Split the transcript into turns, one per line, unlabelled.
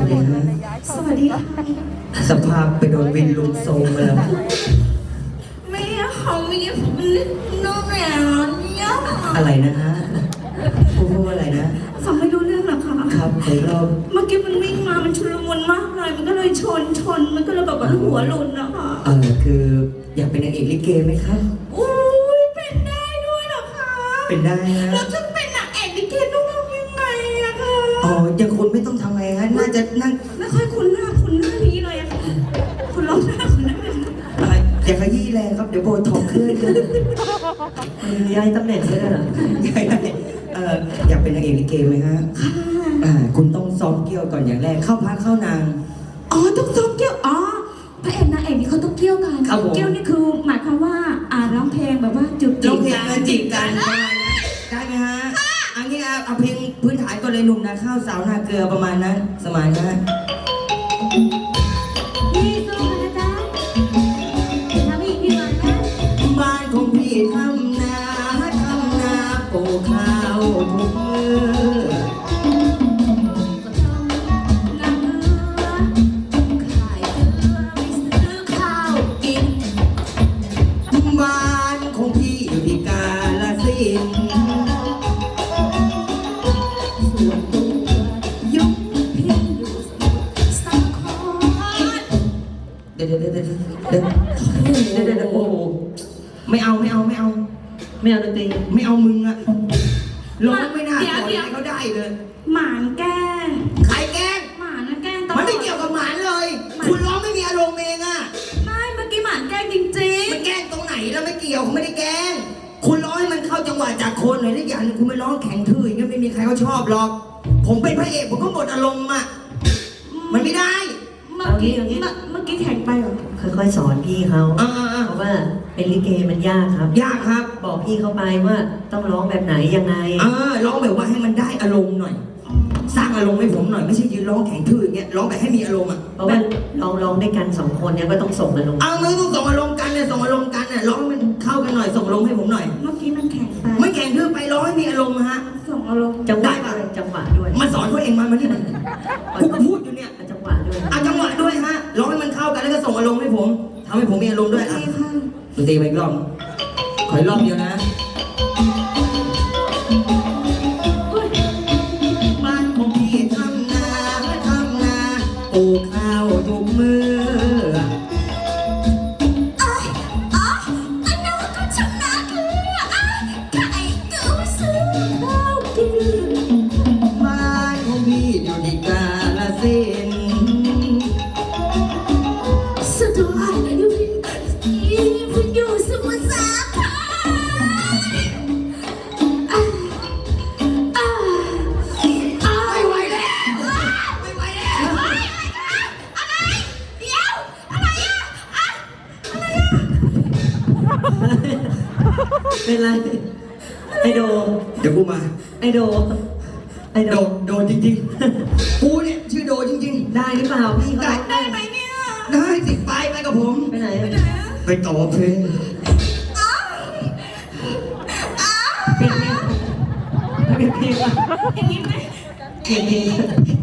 ดีฮะ
สวัสดีค่ะ
สภาพไปโดนวินลุมโซมมาแล้ว
ไม่เขาไม่ได้น้องแหวนเนี่ย
อะไรนะฮะพูดว่าอะไรนะ
ฟังไม่รู้เรื่องหรอกค่ะ
ครับผมเรา
เมื่อกี้มันวิ่งมามันชุลมุนมากเลยมันก็เลยชนมันก็เลยแบบว่าหัวหล่นนะคะ
คืออยากเป็นนางเอกลิเกไหมครับ
อุ้ยเป็นได้ด้วยเหรอคะ
เป็นได้ฮะ
แล้วจะเป็นนางเอกลิเกต้องทำยังไงอะคะ
อย่างคุณไม่ต้องทำไงฮะน่าจะนั่ง
ไม่ค่อยคุ้นหน้านี้เลยอะค่ะคุณลองหน้าคุณนั่นเลยค่ะ
อย่าขยี้แรงครับเดี๋ยวโบท็อกขึ้นย้ายตำแหน่งเลยเหรออยากเป็นนางเอกลิเกไหมฮะคุณต้องซ้อมเกี่ยวก่อนอย่างแรกเข้าพักเข้านาง
ต้องซ้อมเกี่ยวพระเอกนางเอกนี่เขาต้องเกี่ยวกัน
ครับผม
เกี่ยวนี่คือหมายความว่าร้องเพลงแบบว่าจุด
ร้องเพลงกันจีบกันได้ไหมฮะอันนี้เอาเพลงพื้นฐานก่อนเลยหนุ่มนาข้าวสาวนาเกลือประมาณนั้นสมัยนะ
พี่สู้นะจ๊ะทำอีกดีกว่านะ
บ้านของพี่ทำนาปลูกข้าวทุกมือ
ก็ต้องนั่งเรือขายเกลือไม่ซื้อข้าวกิน
บ้านของพี่อยู่ที่กาฬสินธุ์
ส่วนตัวยกเพลงอยู่สาคร
เดี๋ยวโอ้โหไม่เอาดนตรีไม่เอามึงอะร้องไม่น่าสอนให้เขาได้เลย
หมานแกล้ง
ใครแกล้ง
หมานนะแกล้งตลอด
มันไม่เกี่ยวกับหมานเลย คุณร้องไม่มีอารมณ์เองอะ
ไม่เมื่อกี้หมานแกล้งจริง
มันแกล้งตรงไหนแล้วไม่เกี่ยวเขาไม่ได้แกล้งคุณร้องให้มันเข้าจังหวะจากคนหน่อยได้อย่างหนึงคุณไม่ร้องแข็งทื่ออย่างเงี้ยไม่มีใครเขาชอบหรอก ผมเป็นพระเอกผมก็หมดอารมณ์อะมันไม่ได้
ๆเมื่อกี้แข่งไปเหรอ
ค่อยๆสอนพี่เขา
อ่า
เพราะว่าเป็นลิเกมันยากครับ
ยากครับ
บอกพี่เขาไปว่าต้องร้องแบบไหนยังไง
ร้องแบบว่าให้มันได้อารมณ์หน่อย สร้างอารมณ์ให้ผมหน่อยไม่ใช่ยืนร้องแข็งทื่ออย่างเงี้ยร้องแบบให้มีอารมณ์อ่ะ
เพราะว่าร้องด้วยกันสองคนเนี่ยก็ต้องส่งอารมณ์
เอาไม่ต้องส่งอารมณ์กันเนี่ยส่งอารมณ์กันเนี่ยร้องให้มันเข้ากันหน่อยส่งอารมณ์ให้ผมหน่อย
เมื่อกี้มันแข่งไป
ไม่แข็งทื่อไปร้องให้มีอารมณ์ฮะ
ส่งอารมณ์
จังห
ได้
วะ
ปะ
ด้วยจังหวะด้วย
มาสอนเขาเองมานี่มันกูก็พูดอยู่เนี่ย
จังหวะด้วย
เอาจังหวะด้วยฮะร้องให้มันเข้ากันแล้วก็ส่งอารมณ์ให้ผมทำให้ผมมีอารมณ์ด้วย
โอ
อ่ะ
เคค่ะ
ดนตรีไปอีกรอบขออีกรอบเดียวนะบ้านของพี่ทำนาปลูกข้าวทุกมือ
อันนั้นก็ชนะเลยไก่เก๋าซื้อข้าวกิน
บ้านของพี่อยู่ที่กาฬสินธุ์
สะดวกอยู่สมุทรสาคร
ไม่ไหวแล้วไม่ไหวแล้ว
อะไรเดี๋ยวอะไรอ่ะ
เป็นไรไอโด
เดี๋ยวกูมา
ไอโด
โดจริงๆกูเนี่ยชื่อโดจริง
ได้หรือเปล่าพี่เขา
ได้ไหมเนี่ย
ๆได้สิไปกับผม
ไปไหน
ไปไหนอ่ะ
ไปต่อเพลง
เปลี่ยนเพลงเปลี่ยนเพลง
อย่างนี้ไหม
เปลี่ยนเพลง